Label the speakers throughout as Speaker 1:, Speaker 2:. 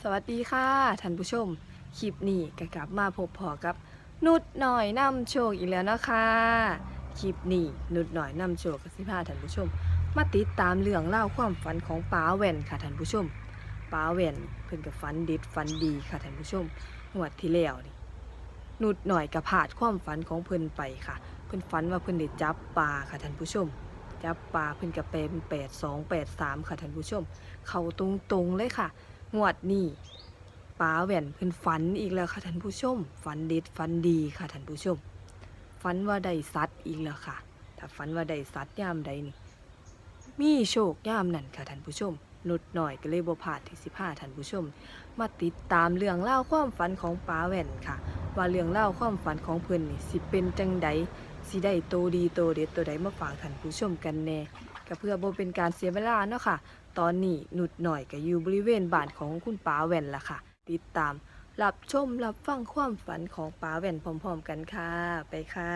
Speaker 1: สวัสดีค่ะท่านผู้ชมคลิปนี้ก็กลับมาพบพอกับนุดหน่อยนำโชคอีกแล้วนะคะคลิปนี้นุดหน่อยนำโชคกับสิพาท่านผู้ชมมาติดตามเรื่องเล่าวความฝันของป๋าแว่นค่ะท่านผู้ชมป๋าแว่นเพิ่นกับฝันเด็ดฝันดีค่ะท่านผู้ชมงวดที่แล้วนี่นุดหน่อยกับพลาดความฝันของเพิ่นไปค่ะเพิ่นฝันว่าเพิ่นได้จับปลาค่ะท่านผู้ชมจับปลาเพิ่นกับเป็น8283ค่ะท่านผู้ชมเข้าตรงๆเลยค่ะงวดนี้ป๋าแว่นเพิ่นฝันอีกแล้วค่ะท่านผู้ชมฝันเด็ดฝันดีค่ะท่านผู้ชมฝันว่าได้สัตว์อีกแล้วค่ะถ้าฝันว่าได้สัตว์ยามใดนี่มีโชคยามนั้นค่ะท่านผู้ชมนุดหน่อยก็เลยบ่พลาดที่สิพาท่านผู้ชมมาติดตามเรื่องเล่าวความฝันของป๋าแว่นค่ะว่าเรื่องเล่าวความฝันของเพิ่นนี่สิเป็นจังใดสิได้โตดีโตเด็ดตัวใดมาฝากท่านผู้ชมกันแน่ก็เพื่อบ่เป็นการเสียเวลาเนาะค่ะตอนนี้นุดหน่อยก็อยู่บริเวณบ้านของคุณป๋าแว่นล่ะค่ะติดตามรับชมรับฟังความฝันของป๋าแว่นพร้อมๆกันค่ะไปค่ะ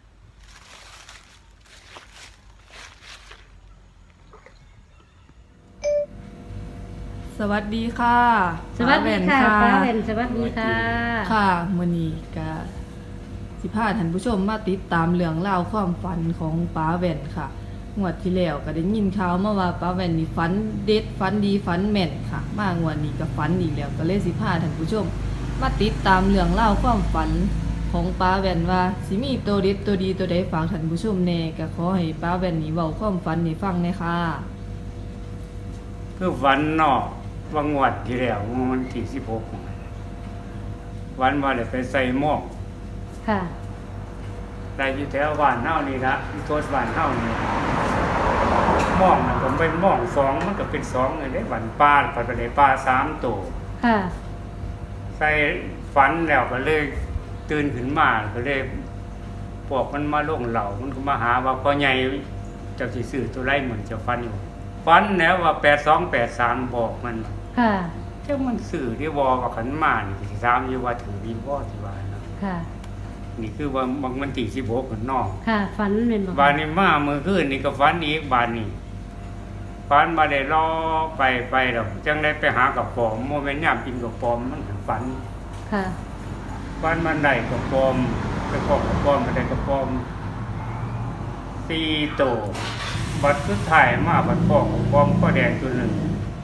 Speaker 1: สวัสดีค่ะ
Speaker 2: สวัสดีค่ะป้าแว่นสวัสดีค่ะ
Speaker 1: ค่ะมื้อนี้ก็สิพาท่านผู้ชมมาติดตามเรื่องราวความฝันของป๋าแว่นค่ะงวดที่แล้วก็ได้ยินข่าวมาว่าป๋าแว่นนี่ฝันเด็ดฝันดีฝันแม่นค่ะมางวดนี้ก็ฝันอีกแล้วก็เลยสิพาท่านผู้ชมมาติดตามเรื่องราวความฝันของป๋าแว่นว่าสิมีตัวเด็ดตัวดีตัวใดฝากท่านผู้ชมแน่ก็ขอให้ป๋าแว่นนี่เว้าความฝันให้ฟังแน่ค่ะ
Speaker 3: คือวันนอกวังวัดที่แล้ววันที่16วันว่าเลยไปใส่หม้อง
Speaker 2: ค่ะ
Speaker 3: ได้อยู่แถวบ้านเฮานี่ละที่โทษบ้านเฮานี่หม้องมันก็เป็นหม้องสองมันก็เป็นสองเลยได้วันปลาปัดไปได้ปลา3ตัว
Speaker 2: ค่ะ
Speaker 3: ใส่ฝันแล้วก็เลยตื่นขึ้นมาก็เลยพวกมันมาลงเหล่ามันก็มาหาว่าพ่อใหญ่เจ้าสิซื้อตัวไรเหมือนเจ้าฟันอยู่ฟันแล้วว่า8283บอกมัน
Speaker 2: ค่ะ
Speaker 3: เจ้ามันสื่อที่วอกับขันมานี่สิถามอยู่ว่าถือวีบ่สิว่านะ
Speaker 2: ค่ะ
Speaker 3: นี่คือว่าบางมันที่16กันนอก
Speaker 2: ค่ะฝันเป็นบ่
Speaker 3: บานนี้มามื้อคืนนี่ก็ฝันอีกบานนี้ฝันมาได้รอไปแล้วจังได้ไปหากับปอมบ่แม่นยามกินกับปอมมันฝัน
Speaker 2: ค่ะ
Speaker 3: ฝันมันได้กับปอมไปขอกับปอมไปได้กับปอม4โตวบัดสุดท้ายมาบัดพ่อกับปอมก็แดงตัวหนึง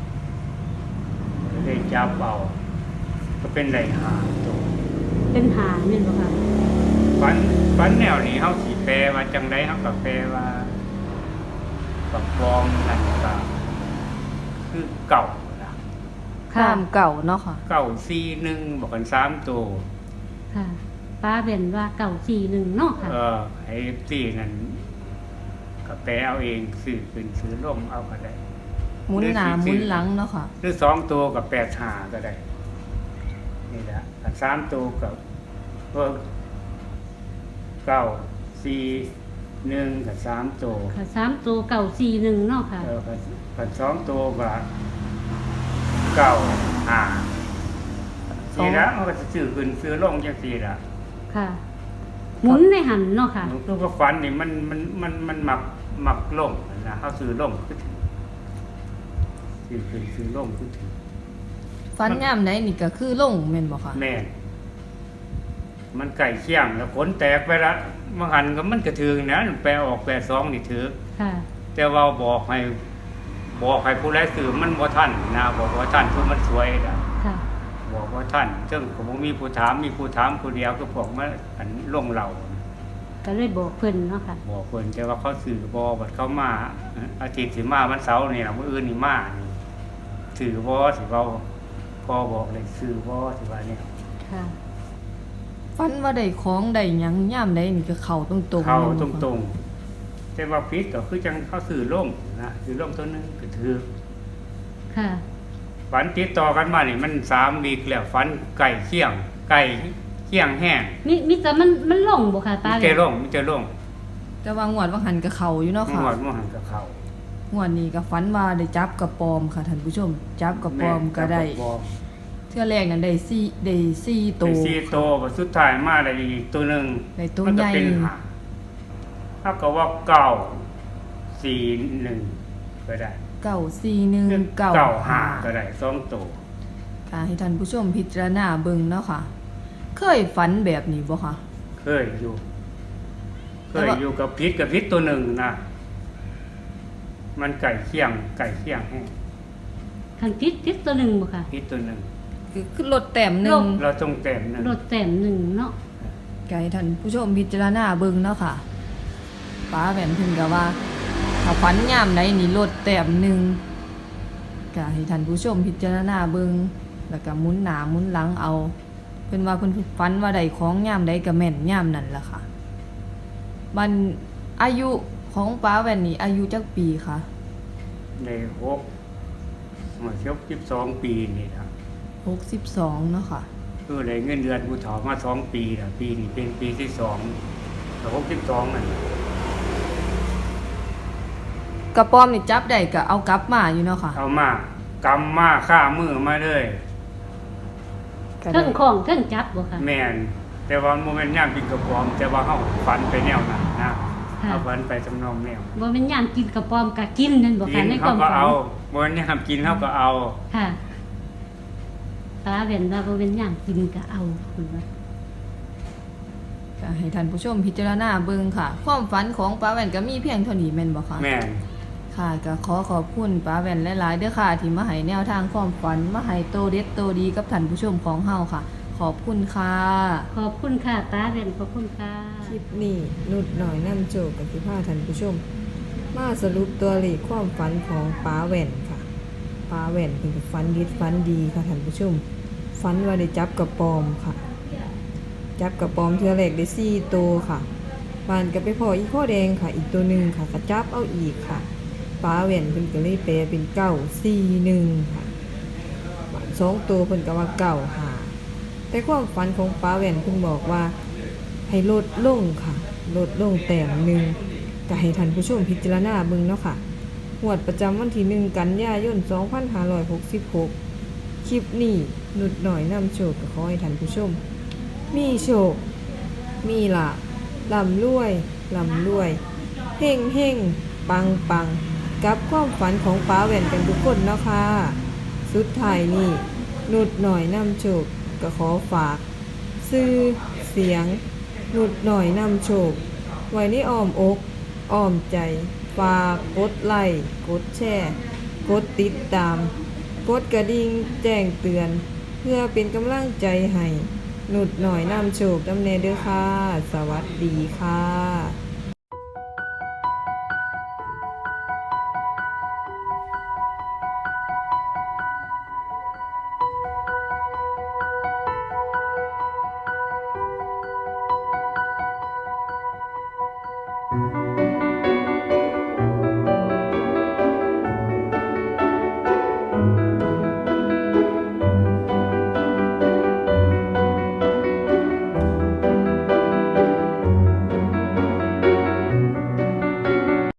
Speaker 3: ได้จับเอาก็เป็นได้5ตัว
Speaker 2: เป็นหางเป็นบ่ค่ะ
Speaker 3: ฝันแนวนี้เฮาสิแปลว่าจังได๋เฮาก็แปลว่ากับฟอมนั่นก็คือเก่าล่ะ
Speaker 1: ข้ามเก่าเนาะค่ะ
Speaker 3: เก่า41บอกกัน3ตัว
Speaker 2: ค่ะป้าเป็นว่าเก่า41เนาะค่ะ
Speaker 3: ไอ้4นั่นก็แปลเอาเองซื้อขึ้นซื้อลงเอาก็ได้
Speaker 1: หมุนหน้าหมุนหลังเนาะค่ะ
Speaker 3: หรือ2ตัวก็85ก็ได้นี่ล่ะถ้า3ตัวก็เพิ่ม9 4 1ก็3ตัว
Speaker 2: ค่ะ3ตัวเก่า41เนาะค่ะ
Speaker 3: ผัด2ตัวก็เก้าห้าสี่ละมันก็จะซื้อขึ้นซื้อลงจังซี่ล่ะ
Speaker 2: ค่ะ หมุนในหันเนาะค่ะ
Speaker 3: มันคือว่าฝันนี่มันมักลงนะเฮาซื้อลงคือถือซื้อขึ้นซื้อลงคือถือ
Speaker 1: ฟันย่ามไหนนี่ก็คือลงแม่นบ่ค่ะ
Speaker 3: แม่นมันไก่เคี่ยงแล้วขนแตกไปละมันหันก็มันกระถึงนะแปลออก82นี่ถือ
Speaker 2: ค่ะ
Speaker 3: แต่ว่าบอกให้ผู้ใดซื้อมันบ่ทันนะบอกว่าทันคือมันสวยนะ
Speaker 2: ค่ะ
Speaker 3: บอกว่าท่านซึ่งผมมีผู้ถามผู้เดียวก็พวกมาอันลงเหล่า
Speaker 2: ก็เลยบอกเพิ่นเนาะค่ะ
Speaker 3: บอกเพิ่นแต่ว่าเขาสื่อบ่บัดเขามาอาทิตย์สิมาวันเสาร์นี่ล่ะมื้ออื่นนี่มานี่สื่อบ่สิเว้าพอบอกเลยสื่อบ่สิว่าเนี่ย
Speaker 2: ค่ะ
Speaker 1: ฟันว่าได้ของได้หยังย่ามใดนี่ก็เข้าตรงๆ
Speaker 3: เข้า
Speaker 1: แม่น
Speaker 3: ต
Speaker 1: บ่คะ
Speaker 3: รงๆแต่ว่าผิดก็คือจังเขาสื่อลงนะสื่อลงตัวหนึงก็ถือ
Speaker 2: ค่ะ
Speaker 3: ฝันติดต่อกันมานี่มัน3วีคแล้วฝันไก่เคี่ยงแห้ง
Speaker 2: มีแต่มันลงบ่ค่ะป้า
Speaker 3: มีแต่ลง
Speaker 1: แต่ว่างวดว่าหันก็เข้าอยู่เนาะ
Speaker 3: ห
Speaker 1: ค่ะ
Speaker 3: มดมันหันกับเขา
Speaker 1: งวดนี้ก็ฝันว่าได้จับกระปอมค่ะท่านผู้ชม จับกระปอมก็ได้
Speaker 3: แม่น
Speaker 1: เทื่อแรกนั้นได้4
Speaker 3: ตั
Speaker 1: ตัว ว
Speaker 3: 4ตัวบัดสุดท้ายมาได้อีกตัวหนึง
Speaker 1: ได้ตัว
Speaker 3: มัน
Speaker 1: ให
Speaker 3: ก็
Speaker 1: ญ่
Speaker 3: เป็น5ถ้าก็ว่า9 4 1ก็ได้
Speaker 1: 941
Speaker 3: 9
Speaker 1: 95
Speaker 3: 5ก็ได้2ตัว
Speaker 1: ค่ะให้ท่านผู้ชมพิจารณาเบิ่งเนาะค่ะ เคยฝันแบบนี้บ่คะ
Speaker 3: เคยอยู่กับพิษตัวหนึ่งนะมันไก่เคี่ยงให้
Speaker 2: คันติดตัวหนึ่งบ่ค่ะ
Speaker 3: พิษตัวหนึ่ง
Speaker 1: คือลดแต้มหนึ่ง
Speaker 3: เราต้องแต้มหนึ่ง
Speaker 2: รถแต้มหนึ่งเนาะ
Speaker 1: ก็ให้ท่านผู้ชมพิจารณาเบิ่งเนาะค่ะป้าแหวนเพิ่นก็ว่าถ้าฝันยามใดนี่ลดแต้มหนึ่งก็ให้ท่านผู้ชมพิจารณาเบิ่งแล้วก็หมุนหน้าหมุนหลังเอาเพิ่นว่าเพิ่นฝันว่าได้ของยามใดก็แม่นยามนั้นล่ะค่ะมันอายุของป้าแหวนนี่อายุจักปีคะ
Speaker 3: ใน12 ปีนี่นะ
Speaker 1: 62เนาะค่ะ
Speaker 3: คือได้เงินเดือนผู้ถอมา2 ปีนะปีนี้เป็นปีที่2แต่62นั่น
Speaker 1: กระป้อมนี่จับได้ก็เอากลับมาอยู่เนาะค่ะ
Speaker 3: เอามากำมาฆ่ามือมาเลย
Speaker 1: ก็
Speaker 2: เทิ
Speaker 1: ได้
Speaker 2: งของเทิงจับบ่ค่ะ
Speaker 3: แม่นแต่ว่าโมเมนต์ย่ามกินกระป๋อมแต่ว่าเฮาฝันไปแนวนั้นนะ
Speaker 2: ค่ะ
Speaker 3: เอาฝันไปทำนองแนว
Speaker 2: บ่แม่นยามกินกระป๋อมก็กินนั่นบ่
Speaker 3: กิ
Speaker 2: ค่ะ
Speaker 3: น
Speaker 2: ในค
Speaker 3: เขา
Speaker 2: วาม
Speaker 3: ก็
Speaker 2: ฝัน
Speaker 3: เอาโมเมนต์ย่ามกินเขาก็เอา
Speaker 2: ค่ะตาเว้นว่าบ่แม่นยามกินก็เอาเพิ่นว่า
Speaker 1: ก็ให้ท่านผู้ชมพิจารณาเบิ่งค่ะ ความฝันของป้าแว่นก็มีเพียงเท่านี้แม่นบ่คะ
Speaker 3: แม่น
Speaker 1: ค่ะก็ขอขอบคุณป้าแว่นหลายๆเด้อค่ะ ที่มาให้แนวทางความฝันมาให้โตเด็ดโตดีกับท่านผู้ชมของเฮาค่ะ ขอบคุณค่ะ
Speaker 2: ขอบคุณค่ะตาเว้นขอบคุณค่ะ
Speaker 1: คลิปนี้นุดหน่อยนำโจกกับสิพาท่านผู้ชม มาสรุปตัวเลขความฝันของป้าแว่นค่ะป้าแว่นเป็นฝันดีฝันดีค่ะท่านผู้ชมฝันว่าได้จับกระปอมค่ะ จับกระปอมเทือแรกได้4ตัวค่ะปานก็ไปพออีกข้อแดงค่ะ อีกตัวหนึ่งค่ะก็จับเอาอีกค่ะป้าแว่นเพิ่นก็เลยแปลเป็น941ค่ะ2ตัวเพิ่นก็ว่า95แต่ความฝันของป้าแว่นเพิ่นบอกว่าให้ลดลงค่ะ ลดลงแต้มหนึ่งก็ให้ท่านผู้ชมพิจารณาเบิ่งเนาะค่ะงวดประจำวันที่1กันยายน2566คลิปนี้นุดหน่อยนำโชคก็ขอให้ท่านผู้ชม มีโชค มีลาภร่ำรวยเฮ่งเฮ่งปังกับความฝันของป้าแหว่นกันทุกคนเนาะค่ะ สุดท้ายนี้นุดหน่อยนำโชคก็ขอฝาก ชื่อเสียง นุดหน่อยนำโชค ไว้ในอ้อมอก อ้อมใจ ฝากกดไลค์กดแชร์ กดติดตาม กดกระดิ่งแจ้งเตือน เพื่อเป็นกำลังใจให้ นุดหน่อยนำโชคนำแน่เด้อค่ะ สวัสดีค่ะ